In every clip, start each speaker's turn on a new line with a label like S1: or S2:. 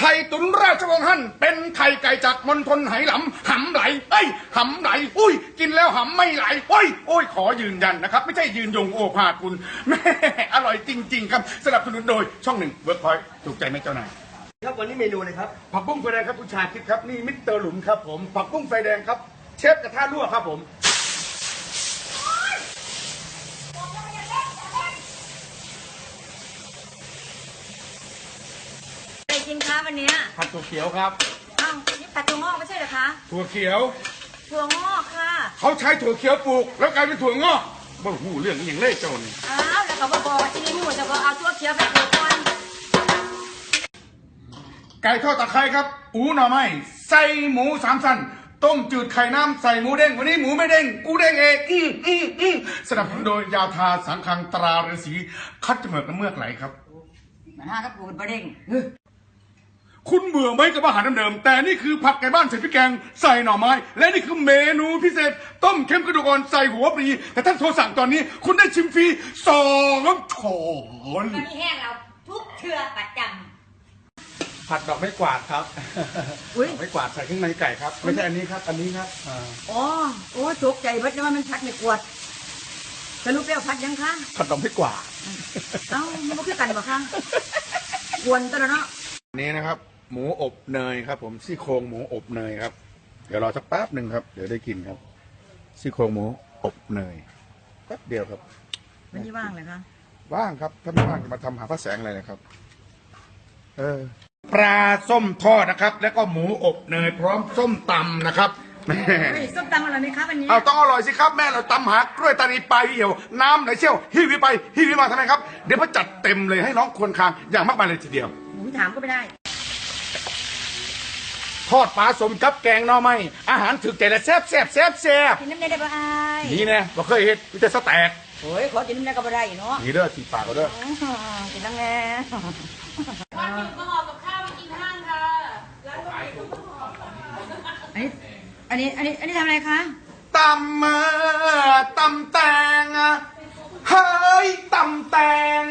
S1: ข่ตุ๋นราชวงศ์ฮั่นเป็นไข่ไก่จากมณฑลไหหลำหำไหลหำไหลอุ้ยกินแล้วหำไม่ไหลโอ้ยขอยืนยันนะครับไม่ใช่ยืนยงโอภาสคุณแม่อร่อยจริงๆครับสนับสนุนโดยช่อง 1 Workpoint ถูกใจไหมเจ้านาย
S2: ครับวันนี้เมนูเลยครับ
S1: ผักบุ้งไฟแดงครับคุณชาคิดครับนี่มิสเตอร์หลุมครับผมผักบุ้งไฟแดงครับเชฟกระทะรั่วครับผม
S3: อะไรกินคะวันนี้
S1: ผัดถั่วเขียวครับ
S3: อ้าวนี่ผัดถั่วงอกไม่ใช่เหรอคะ
S1: ถั่วเขียว
S3: ถั่วงอกค่ะ
S1: เขาใช้ถั่วเขียวปลูกแล้วกลายเป็นถั่วงอกบ้าหูเรื่องอย่างเล่เจ้านี่
S3: อ้าวแล้วก็บอกว่าที่นี่หมูจะก็เอาถั่วเขียวไปปลูกก่อน
S1: ไก่ทอดตะไคร้ครับอูหน่อไม้ใส่หมู3 ชั้นต้มจืดไข่น้ำใส่หมูเด้งวันนี้หมูไม่เด้งกูเด้งเองสนับสนุนโดยยาทาสังคังตราฤาษีคัดจมูกน้ำเมือกไหลครับ
S3: มันห้ากับปูนประเด้ง
S1: คุณเบื่อไหมกับอาหารเดิมๆแต่นี่คือผัดไก่บ้านใส่พริกแกงใส่หน่อไม้และนี่คือเมนูพิเศษต้มเค็มกระดูกอ่อนใส่หัวปลีแต่ท่านโทรสั่งตอนนี้คุณได้ชิมฟรี2 ช้อน
S3: ตอนนี้แห้งเราทุกเชือประจำ
S1: ผัดดอกไม้กวาดครับดอกไม้กวาดใส่ข้างในไก่ครับไม่ใช่อันนี้ครับอันนี้ครับ
S3: อ๋อโอ้ตกใจเพราะว่ามันพัดไม่กวดสรุปแล้วพัดยังคะ
S1: ผัดดอกไม้กวาด
S3: เอ้ามันก็คือกันบ่คะกวนตัวเนาะ
S1: นี้นะครับหมูอบเนยครับผมซี่โครงหมูอบเนยครับเดี๋ยวรอสักแป๊บหนึ่งครับเดี๋ยวได้กินครับซี่โครงหมูอบเนยแป๊บเดียวครับ
S3: มันยี่ว่างเลยคะ
S1: ว่างครับถ้าไม่ว่างจะมาทำหาพระแสงอะไรนะครับปลาส้มทอดนะครับแล้วก็หมูอบเนยพร้อมส้มตำนะครับแม่
S3: ส้มตำอร่อยไหมครับวันนี้
S1: เอาต้องอร่อยสิครับแม่เราตำหากล้วยตานีปลายเหี่ยวน้ำไหลเชี่ยวฮิวิไปฮิวิมาทำไมครับเดี๋ยวพ่อจัดเต็มเลยให้น้องควรคางอย่างมากมายเลยทีเดียว
S3: ถามก็ไม่ได้
S1: ทอดปลาสมกับแกงหน่อไม้อาหารถึกใจและแซ่บ
S3: กินน้ำได้บ่ไอ้
S1: นี่นะบ่เคยเห็นมีแต่สแต็ก
S3: โอ้ยขอกินน้ำได้ก็บ่ได้เนาะ
S1: นี่เด้อสีปากก็เด้อ
S3: กินน้ำแน่
S4: วันหยุดมาห่อกับข้าวมากินห้างค่ะร้านก็มีต้มห่อ
S3: อันนี้ทำอะไรคะ
S1: ตำแตงเฮ้ยตำแตง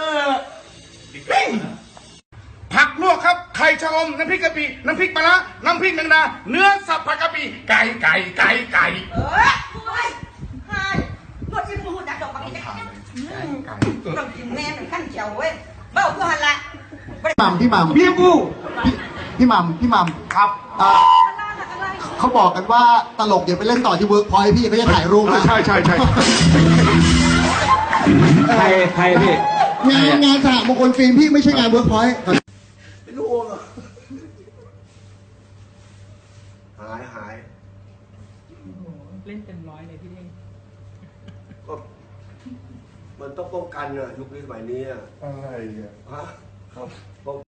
S1: ผักลวกครับไข่ชะอมน้ำพริกกะปิน้ำพริกปลาร้าน้ำพริกแมงดาเนื้อสับผักกะปิไก่
S3: โอ้ยใช่รถที่พูดดักดอกปากนี่ต้องกินแม่เป็นขั้นเจียวเว้ยเบ้ากูหันละ
S2: พี่หม่ำ
S1: พี่กู
S2: พี่หม่ำ
S1: ครับ
S2: เขาบอกกันว่าตลกอย่าไปเล่นต่อที่เวิร์กพอยต์พี่เขาจะถ่ายรูป
S1: ใช่
S2: ใครพี่งานสหมงคลฟิล์มพี่ไม่ใช่งานเวิร์กพอยต์เป็นลูกโอ่งหาย
S4: เล่นเต็มร้อยเลยพี่เด้ง
S2: ก็มันต้องป้องกันอะยุคนี้สมัยนี้อะ
S1: อะไรอ่ะ
S2: ฮะ